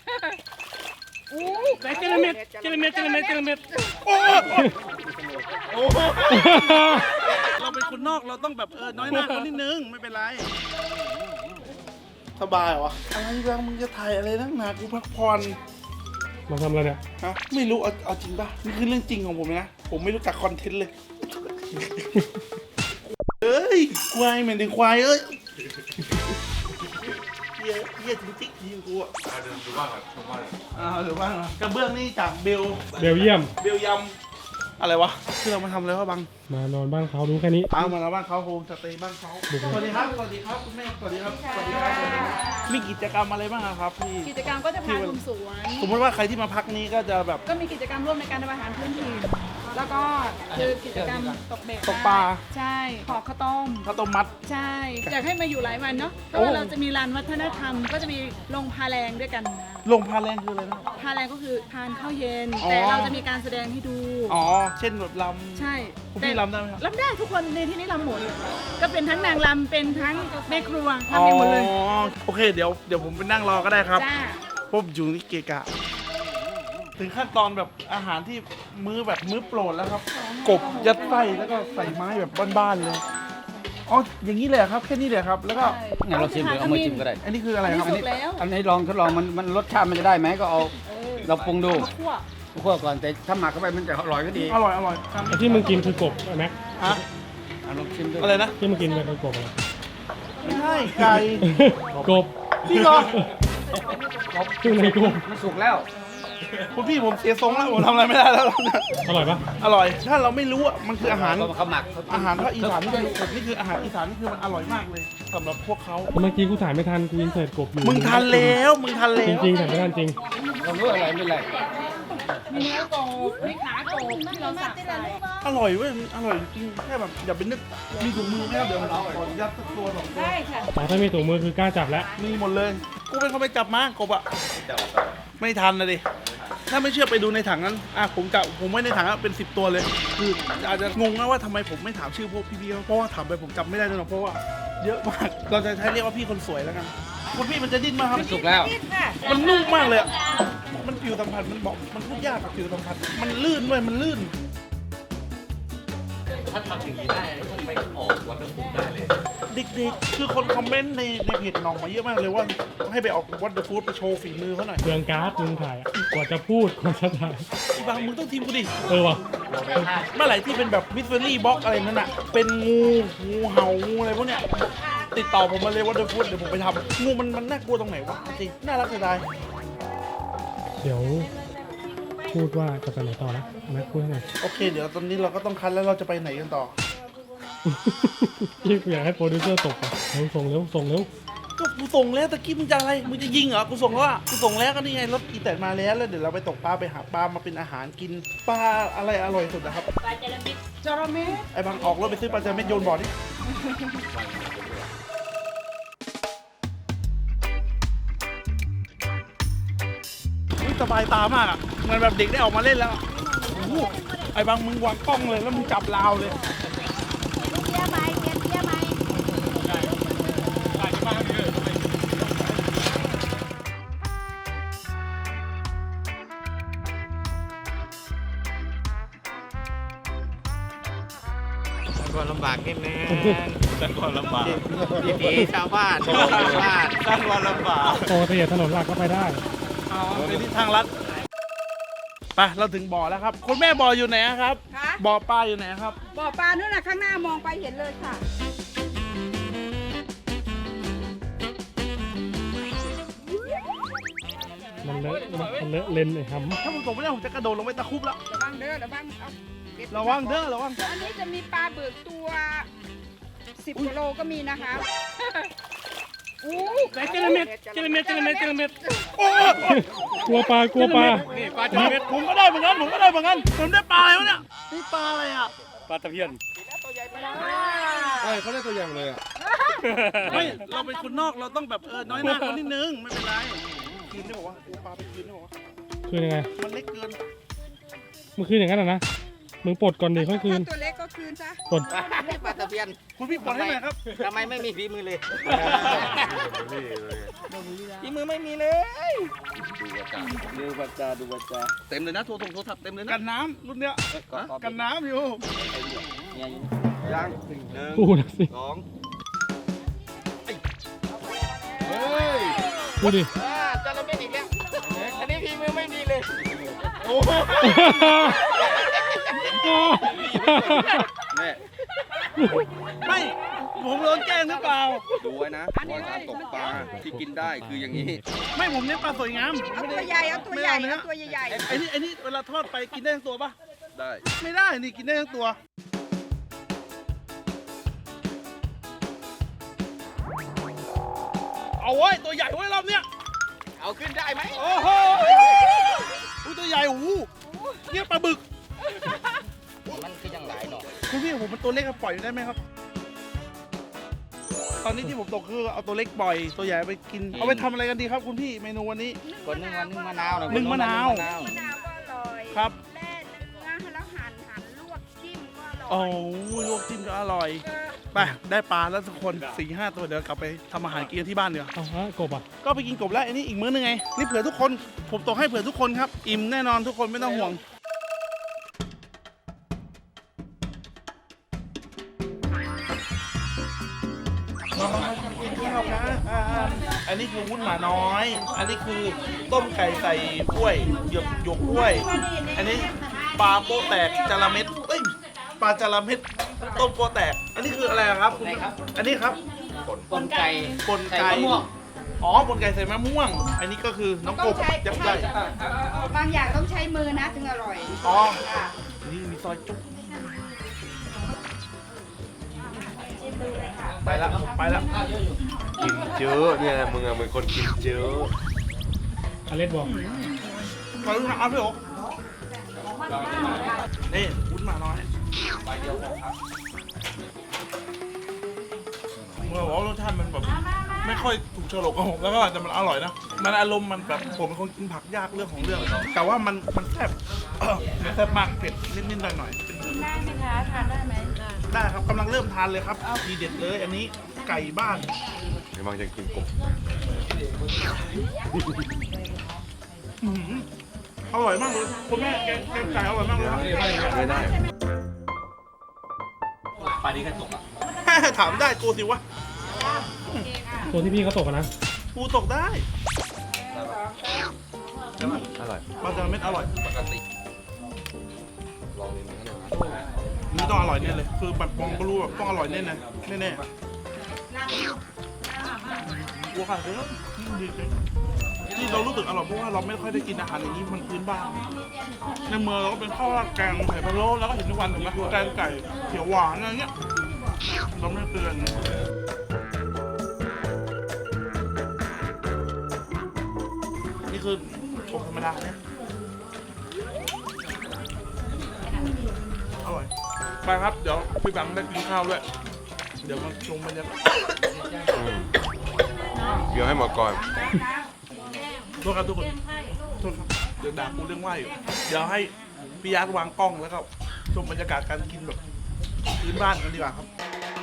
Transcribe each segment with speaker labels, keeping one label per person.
Speaker 1: แต่เจลเม็ด
Speaker 2: โอ้เราเป็นคนนอกเราต้องแบบน้อยหน้าเขานิดนึงไม่เป็นไรสบายเหรออะไรบ้างมึงจะถ่ายอะไรนักหนากูพักผ่อน
Speaker 1: มาทำอะไรเนี่ย
Speaker 2: ฮะไม่รู้เอาจริงป่ะนี่คือเรื่องจริงของผมนะผมไม่รู้จักคอนเทนต์เลยเอ้ยควายเหม็นถึงควายเอ้ยเยี่ยจริงๆยิงกูอ่ะดูบ้างครับดูบ้างกระเบื้องนี่จากเบลเยียมอะไรวะคือเรามาทำอะไรวะบัง
Speaker 1: มานอนบ้านเขาดูแค่นี้
Speaker 2: มาแล้วบ้านเขาโฮมสเตย์บ้านเขาสวัสดีครับคุณแม่สวัสดีครับมีกิจกรรมอะไรบ้างครับพี่
Speaker 3: กิจกรรมก็จะพาชมสวน
Speaker 2: สมมติว่าใครที่มาพักนี้ก็จะแบบ
Speaker 3: ก็มีกิจกรรมร่วมในการทำอาหารพื้นถิ่นแล้วก็คือกิจกรรมตกเบ็ด
Speaker 2: ตกปลา
Speaker 3: ใช่ขอข้าวต้ม
Speaker 2: มัด
Speaker 3: ใช่อยากให้มาอยู่หลายวันเนาะเพราะว่าเราจะมีลานวัฒนธรรมก็จะมีลงพาแรงด้วยกัน
Speaker 2: ลงพาแรงคืออะไรนะ
Speaker 3: พาแรงก็คือทานข้าวเย็นแต่เราจะมีการแสดงให้ดู
Speaker 2: เช่นแบบลำ
Speaker 3: ใช่
Speaker 2: คุณพี่ลำได้ไหมครับ
Speaker 3: ลำได้ทุกคนในที่นี้ลำหมดก็เป็นทั้งนางลำเป็นทั้งแม่ครัวทำได้หมดเลย
Speaker 2: โอเคเดี๋ยวผมไปนั่งรอก็ได้ครับผมอยู่นี่เกะกะถึงขั้นตอนแบบอาหารที่มื้อโปรดแล้วครับกบยัดไส้แล้วก็ใส่ไม้แบบบ้านๆเลยอย่างนี้เลยครับแค่นี้เลยครับแล้วก็
Speaker 4: งั้นเราชิมหรือเอามือชิมก็ได้
Speaker 2: อันนี้คืออะไรครับ
Speaker 4: อันนี้ลองทดลองมันรสชาติมันจะได้ไหมก็เอาเราปรุงดูคั่วก่อนแต่ถ้าหมักเข้าไปมันจะอร่อยก็ดี
Speaker 2: อร่อย
Speaker 1: ที่มึงกินคือกบไหม
Speaker 2: ฮะ
Speaker 4: ลองชิมดู
Speaker 2: อะไรนะ
Speaker 1: ที่มึงกินเป็นกบอะไร
Speaker 2: ไม่ใช่ไก่
Speaker 1: กบ
Speaker 2: พี่เหรอ
Speaker 1: คือในกบ
Speaker 4: มันสุกแล้ว
Speaker 2: คุณพี่ผมเสียทรงแล้วผมทำอะไรไม่ได้แล้ว
Speaker 1: อร่อยปะ
Speaker 2: อร่อยถ้าเราไม่รู้มันคืออาหาร
Speaker 4: เขาหมัก
Speaker 2: อาหารภาคอีสานนี่คืออาหารอีสานนี่คือมันอร่อยมากเลยสำหรับพวกเขา
Speaker 1: เมื่อกี้กูถ่ายไม่ทันกูยินเสิร์ตกบอยู่
Speaker 2: มึงทันแล้วจ
Speaker 1: ริงๆถ่ายไม่ทันจริง
Speaker 4: เรารู้อะไรไม่ไร
Speaker 3: มีเนื้อโกบมีขาโกบที่เราสับใส่
Speaker 2: อร่อยเว้ยอร่อยจริงแค่แบบอย่าไปนึกมีถุงมือไหมครับเดี๋ยวเราขอยัดสักตัว2 ตัว
Speaker 3: ได้ค่ะ
Speaker 1: ถ้ามีถุงมือคือกล้าจับแล้ว
Speaker 2: มีหมดเลยกูเป็นคนไปจับมากบอ่ะไม่ทันนะดิถ้าไม่เชื่อไปดูในถังนั้นผมไว้ในถังเป็น10 ตัวเลยคืออาจจะงงนะว่าทำไมผมไม่ถามชื่อพวกพี่ๆเพราะว่าถามไปผมจำไม่ได้เลยเพราะว่าเยอะมากเราจะใช้เรียกว่าพี่คนสวยแล้วกันคุณพี่มันจะดิ้นมาครับ
Speaker 4: สุกแล้ว
Speaker 2: มันนุ่มมากเลยมันผิวสัมผัสมันบอกมันพูดยากกับผิวสัมผัสมันลื่นด้วยมันลื่น
Speaker 4: ถ้าทำอย่างนี้ได้ต้องไปออกวัตถุดิบได้เลย
Speaker 2: เด็กๆคือคนคอมเมนต์ในเพจน้องมาเยอะมากเลยว่าให้ไปออกวัตถุฟู้ดไปโชว์ฝีมือเขาหน่อย
Speaker 1: เรื่องการ์ดมึงถ่ายกว่าจะพูดกว่าจะถ่าย
Speaker 2: บางมึงต้องทีมกูดิ
Speaker 1: ว่ะ
Speaker 2: เมื่อไหร่ที่เป็นแบบมิสเฟอรี่บ็อกอะไรนั่นน่ะเป็นงูเห่างูอะไรพวกเนี้ยติดต่อผมมาเลยวัตถุฟู้ดเดี๋ยวผมไปทำงูมันน่ากลัวตรงไหนวะจริงน่ารักเสียดาย
Speaker 1: เดี๋ยวพูดว่าจะไปไหนต่อนะนักพูดหน่อย
Speaker 2: โอเคเดี๋ยวตอนนี้เราก็ต้องคัดแล้วเราจะไปไหนกันต่อ
Speaker 1: พี่อยากให้โปรดิวเซอร์ตกส่งเร็ว
Speaker 2: ก็กูส่งแล้วตะกี้มึงจะอะไรมึงจะยิงเหรอกูส่งแล้วอ่ะกูส่งแล้วก็นี่ไงรถอีแตนมาแล้วเดี๋ยวเราไปตกปลาไปหาปลามาเป็นอาหารกินปลาอะไรอร่อยสุดนะครับ
Speaker 3: ปลาจระเม็ด
Speaker 2: ไอ้บางออกรถไปซื้อปลาจระเม็ดโยนบ่อนี่สบายตามากอ่ะเหมือนแบบเด็กได้ออกมาเล่นแล้วไอ้บางมึงวางกล้องเลยแล้วมึงจับราวเลย
Speaker 4: ก็ลำบากนิดนึงสร้างความลำบากวิถีชาวบ้านสร้างความลำบาก
Speaker 1: โอ้แต่ถนนหลักก็ไปได้
Speaker 2: เป็นที่ทางลัดไปเราถึงบ่อแล้วครับคุณแม่บ่ออยู่ไหนครับบ่อปลาอยู่ไหนครับ
Speaker 3: บ่อปลานู่นน่ะข้างหน้ามองไปเห็นเลยค่ะ
Speaker 1: มันเลอะเลนไอ้หำ
Speaker 2: ถ้าผมตกไม่ได้ผมจะกระโดดลงไปตะคุบแล้ว
Speaker 3: ระวังเด้อระวังอันนี้จะมีปลาเบิกตัว10 กิโลก็มีนะคะ
Speaker 1: แต่เจลเม็ดกลัวปลา
Speaker 2: ปลาจระเม็ดผมก็ได้เหมือนกันผมได้ปลาอะไรวะเนี่ยนี่ปลาอะไรอ่ะ
Speaker 1: ปลาตะเพียน
Speaker 4: เขาได้ตัวใหญ่เลยอ่ะ
Speaker 2: ไม่เราเป็นคนนอกเราต้องแบบน้อยหน้าเขานิดนึงไม่เป็นไรคืนได้บอกว่าปลาไปคืนได้บอกว่า
Speaker 1: คืนยังไง
Speaker 2: มันเล็กเกิน
Speaker 1: มันคืนอย่างนั้นนะมึงปลดก่อนดิค่อยคืน
Speaker 3: ตัวเล็กก็คืนซะ
Speaker 1: ปลด
Speaker 4: ปลาตะเพียน
Speaker 2: คุณพี่ปลดให้หน่อยครับ
Speaker 4: ทำไมไม่มีฝีมือเลยฝีมือไม่มีเลยบัตรจาดูบัตรจาเต็มเลยนะโทรศัพท์เต็มเลยนะ
Speaker 2: กันน้ำรุ่นเนี้ยกันน้ำอยู่
Speaker 4: ยังหนึ่ง
Speaker 1: พูดสิ
Speaker 4: สอง
Speaker 2: เฮ้ย
Speaker 1: พูดดิ
Speaker 4: จาระเม็ดอีกแล้วอันนี้พี่มือไม่ดีเลย
Speaker 2: โอ้แม่ไม่ผมโดนแกล้งหรือเปล่า
Speaker 4: ดูไว้นะว่าการตกปลาที่กินได้คืออย่างนี้
Speaker 2: ไม่ผมเน้นปลาสวยงาม
Speaker 3: เอาตัวใหญ่เอาตัวใหญ่เอาตัวใหญ่
Speaker 2: ไอ้นี่เวลาทอดไปกินได้ทั้งตัวปะ
Speaker 4: ได้
Speaker 2: ไม่ได้นี่กินได้ทั้งตัวเอาไว้ตัวใหญ่ไว้รอบเนี้ย
Speaker 4: เอาขึ้นได้ไหม
Speaker 2: โอ้โหอุ้ยตัวใหญ่โอ้โหเนี่ยปลาบึก
Speaker 4: มันคือยังหลายหน่อย
Speaker 2: คุณพี่ผมมันตัวเล็กครับปล่อยได้ไหมครับ ตอนนี้ที่ผมตกคือเอาตัวเล็กปล่อยตัวใหญ่ไปกินเอาไปทำอะไรกันดีครับคุณพี่เมนูวันนี้
Speaker 4: คนนึงวันนึงมะนาว
Speaker 2: นึ่งมะนาว
Speaker 3: ๆมะนาวก็อร่อย
Speaker 2: ครับ
Speaker 3: แล่เนื้อแล้วหั่นลวกจิ้มก็อร่อย
Speaker 2: โอ้ยลวกจิ้มก็อร่อยไปได้ปลาแล้วทุกคน4-5 ตัวเดี๋ยวกลับไปทำอาหารกินกันที่บ้านเดี๋ยวา
Speaker 1: เอาแล้วกบอ่ะ
Speaker 2: ก็ไปกินกบแล้วอันนี้อีกมื้อนึงไงนี่เผื่อทุกคนผมตกให้เผื่อทุกคนครับอิ่มแน่นอนทุกคนไม่ต้องห่วงมากินข้าวนะอันนี้คือวุ้นหมาน้อย อันนี้คือต้มไก่ใส่กล้วยหยวกกล้วย อันนี้ปลาโป๊ะแตกจาระเม็ดเอ้ยปลาจาระเม็ดต้มโป๊ะแตก อันนี้คืออะไรครับ อันนี้ครับ
Speaker 4: ปนไก่
Speaker 2: ปนไก่อ๋อปนไก่ใส่มะม่วง อันนี้ก็คือน้องกบยักษ์ใหญ่
Speaker 3: บางอย่างต้องใช้มือนะถึงอร่อย
Speaker 2: อ๋อ
Speaker 3: ค่ะ
Speaker 2: นี่มีซอยจุ๊บไปแล้วไปแล้ว
Speaker 5: กินเยอะเนี่ยมึงอะเป็นคนกินเยอะ
Speaker 1: อเล็กบอก
Speaker 2: ขอรู้นะเอาพี่โอ๊คนี่วุ้นหมาน้อยเมื่อว่ารสชาติมันแบบไม่ค่อยถูกโฉลกกับผมแล้วก็แต่มันอร่อยนะ มันอารมณ์มันแบบผมเป็นคนกินผักยากเรื่องของเรื่อง แต่ว่ามันแซ่บมันแซ่บมากเผ็ดนิดๆหน่อยๆ
Speaker 3: กินได้ไหมคะทานได้ไหม
Speaker 2: ได้ครับกำลังเริ่มทานเลยครับทีเด็ดเลยอันนี้ไก่บ้าน
Speaker 5: กำลังจะกินกบ
Speaker 2: อร่อยมากเลยคุณแม่แกงไก่อร่อยมากเลยครับ
Speaker 5: ไม่ได้
Speaker 4: ปลานี้ก็ตกอ่ะ
Speaker 2: ถามได้กูสิวะ
Speaker 1: ตัวที่พี่เขาตกอะนะ
Speaker 2: กูตกได้
Speaker 5: อร่อย
Speaker 2: ปลาจาระเม็ดอร่อย
Speaker 4: ปกติ
Speaker 5: ลองลิ้นกันนะ
Speaker 2: นี่ต้องอร่อยแน่เลยคือแบบมองก็รู้แบบต้องอร่อยแน่เลยแน่ๆวัวขาดเลยครับดีจริงที่เรารู้สึกอร่อยเพราะว่าเราไม่ค่อยได้กินอาหารอย่างนี้มันพื้นบ้านในเมืองเราก็เป็นข้าวราดแกงไข่พะโล้แล้วก็เห็นทุกวันถูกไหมแกงไก่เขียวหวานอะไรเงี้ยเราไม่เตือนนี่คือกบธรรมดาเนี่ยอร่อยไปครับเดี๋ยวพี่แบงค์ได้กินข้าวด้วยเดี๋ยวมาชมบรรยากาศ
Speaker 5: เดี๋ยวให้หมอก่อน
Speaker 2: โทษครับทุกคนโทษครับเดี๋ยวด่ากูเรื่องไหวอยู่เดี๋ยวให้พี่ยักษ์วางกล้องแล้วก็ชมบรรยากาศการกินแบบพื้นบ้านกันดีกว่าครับ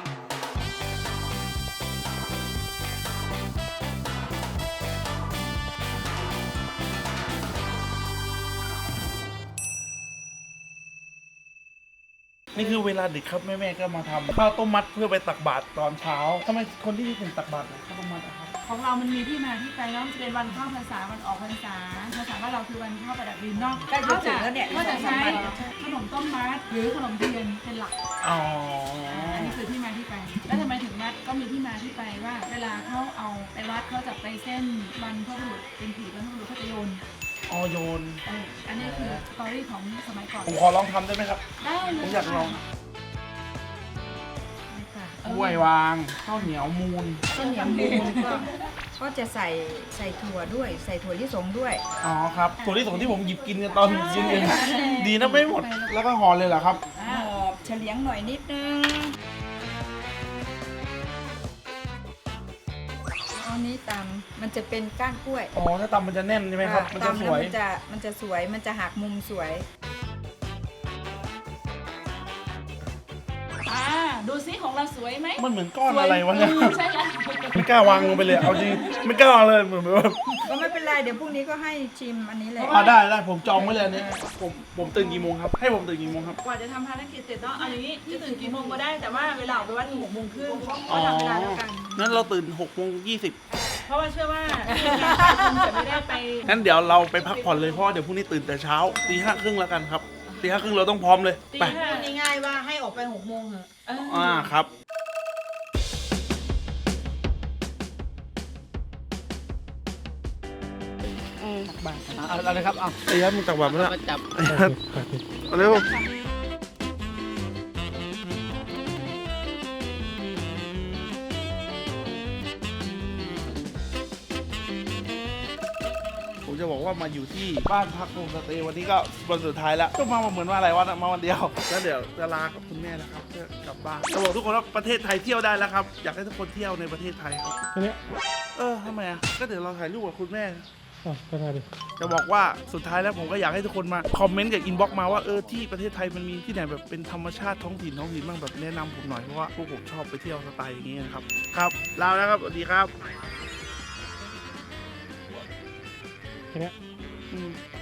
Speaker 2: นี่คือเวลาดึกครับแม่ๆก็มาทำข้าวต้มมัดเพื่อไปตักบาตรตอนเช้าทำไมคนที่นี่ถึงตักบาตรข้าวต้มมัดอะครับ
Speaker 6: ของเรามันมีที่มาที่ไปเนาะมันจะเป็นวันเข้าพรรษาวันออกพรรษาภาษาว่านเราคือวันเข้าประดับดินเนาะ
Speaker 3: ใกล้จะถึงแล้วเนี่ย
Speaker 6: ก็จะใช้ขนมต้มมัดหรือขนมเทียนเป็นหลัก
Speaker 2: อ๋อ
Speaker 6: อันนี้คือที่มาที่ไป แล้วทำไมถึงมัดก็มีที่มาที่ไปว่า เวลาเขาเอาไปวัดเขาจะไปเส้นวันพระบุรุษเป็นผีวันพระบุรุษเขาจะโยน
Speaker 2: ออโยน
Speaker 6: อันนี้คือสตอรี่ของสมัยก่อน
Speaker 2: ผมขอลองทำได้ไหมครับ
Speaker 6: ได้เลย
Speaker 2: ผมอยากลอง
Speaker 6: ค่ะ
Speaker 2: กล้วยวางข้าวเหนียวมูน
Speaker 3: ต้นเหนียวมูนก็จะใส่ถั่วด้วยใส่ถั่วลิสงด้วย
Speaker 2: อ๋อครับส่วนที่สองที่ผมหยิบกินกันตอนเย็นๆดีนะไม่หมด แล้วก็ห่อเลยเหรอครับ
Speaker 3: หอบเฉลียงหน่อยนิดนึงอันนี้ตำมันจะเป็นก้านกล้วย
Speaker 2: อ๋อถ้าตำมันจะแน่นใช่ไหมครับ มันจะ
Speaker 3: ตำ
Speaker 2: ส
Speaker 3: แล้ว
Speaker 2: วย
Speaker 3: มันจะสวยมันจะหักมุมสวย
Speaker 6: ดูสิของเราสวยไหม
Speaker 2: มันเหมือนก้อนอะไรวะเนี่ย
Speaker 6: ใช่แล้ว
Speaker 2: ไม่กล้าวางลงไปเลยเอาจริงไม่กล้าวางเลยเหมือนแบบ
Speaker 3: ก็ไม่เป็นไรเดี๋ยวพรุ่งนี้ก็ให้ชิมอันนี้เลย
Speaker 2: ได้ผมจองไว้เลยอันนี้ผมตื่นกี่โมงครับให้ผมตื่นกี่โมงครับ
Speaker 6: กว่าจะทำภารกิจเสร็จเนาะเอาอย่างนี้จะตื่นกี่โมงก็ได้แต่ว่าเวลาออกไปวัดคือ6 โมงครึ่ง
Speaker 2: อ๋อ
Speaker 3: ทำเวลาแล้วกัน
Speaker 2: งั้นเราตื่น6:20
Speaker 6: เพราะว่าเชื่อว่าคุณจะไม่ได้ไป
Speaker 2: งั้นเดี๋ยวเราไปพักผ่อนเลยเพราะว่าเดี๋ยวพรุ่งนี้ตื่นแต่เช้าตี 5:30แล้วกันครับตี 5:30เราต้องพร้อมเลยไป
Speaker 3: ง่ายๆว่าให้ออกไป6 โมงเหรอ
Speaker 2: ครับอะไรครับเอาไอ้ยัดมึงตักบาตรมาแล้ว
Speaker 4: มาจับ
Speaker 2: เอาเร็วผมจะบอกว่ามาอยู่ที่บ้านพักโฮมสเตย์วันนี้ก็วันสุดท้ายแล้วก็มาเหมือนว่าอะไรวะมาวันเดียวแล้วเดี๋ยวจะลากับคุณแม่นะครับเพื่อกลับบ้านจะบอกทุกคนว่าประเทศไทยเที่ยวได้แล้วครับอยากให้ทุกคนเที่ยวในประเทศไทยครับ
Speaker 1: แค่เนี้ย
Speaker 2: ทำไมอ่ะก็เดี๋ยวเราถ่ายรูปกับคุณแม่
Speaker 1: อ๋อก็ได้ดิ
Speaker 2: จะบอกว่าสุดท้ายแล้วผมก็อยากให้ทุกคนมาคอมเมนต์กับอินบ็อกซ์มาว่าที่ประเทศไทยมันมีที่ไหนแบบเป็นธรรมชาติท้องถิ่นบ้างแบบแนะนำผมหน่อยเพราะว่าพวกผมชอบไปเที่ยวสไตล์อย่างนี้นะครับครับลาแล้วครับสวัสดีครับ
Speaker 1: แค่เนี้ย
Speaker 2: อืม